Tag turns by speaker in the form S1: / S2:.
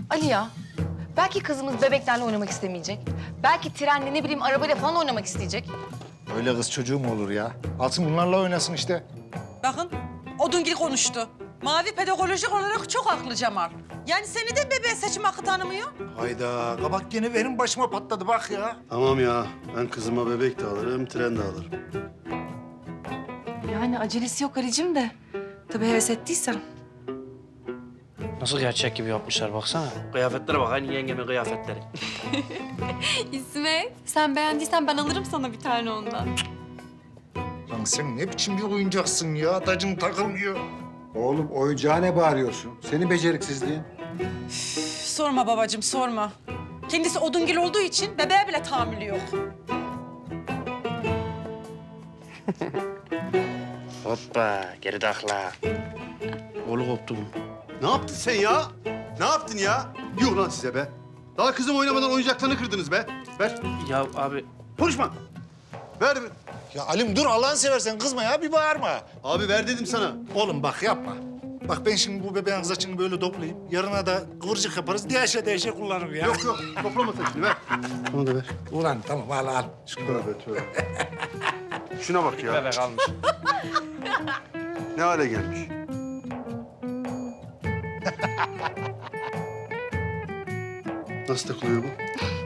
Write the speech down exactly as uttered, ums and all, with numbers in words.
S1: Ali ya, belki kızımız bebeklerle oynamak istemeyecek. Belki trenle ne bileyim arabayla falan oynamak isteyecek.
S2: Öyle kız çocuğu mu olur ya? Alsın bunlarla oynasın işte.
S3: Bakın, Odungil konuştu. Mavi pedagojik olarak çok haklı Cemal. Yani seni de bebeğe seçim hakkı tanımıyor.
S2: Hayda, kabak gene benim başıma patladı bak ya.
S4: Tamam ya. Ben kızıma bebek de alırım, tren de alırım.
S1: Yani acelesi yok Ali'cim de. Tabii heves ettiysen.
S5: Nasıl gerçek gibi yapmışlar baksana. Kıyafetlere bak, aynı yengemin kıyafetleri.
S6: İsmet, sen beğendiysen ben alırım sana bir tane ondan.
S2: Lan sen ne biçim bir oyuncaksın ya? Tacın takılmıyor.
S7: Oğlum oyuncağa ne bağırıyorsun? Senin beceriksizliğin.
S3: Üf, sorma babacığım, sorma. Kendisi Odungil olduğu için bebeğe bile tahammülü yok.
S5: Hoppa, geri takla. Kolu koptu bunun.
S4: Ne yaptın sen ya? Ne yaptın ya? Yuh lan size be. Daha kızım oynamadan oyuncaklarını kırdınız be. Ver.
S5: Ya abi,
S4: Konuşma. Ver. ver.
S2: Ya Alim dur Allah'ını seversen kızma ya bir bağırma.
S4: Abi ver dedim sana.
S2: Oğlum bak yapma. Bak ben şimdi bu bebeğin saçını böyle toplayayım. Yarına da kıvırcık yaparız. Değişe değişe kullanırım ya.
S4: Yok yok. Toplama saçını ver. Onu da ver.
S2: Ulan tamam al al.
S4: Tövbe tövbe. Şuna bak ya.
S5: bebek almış.
S4: Ne hale gelmiş. Nasıl takılıyor bu?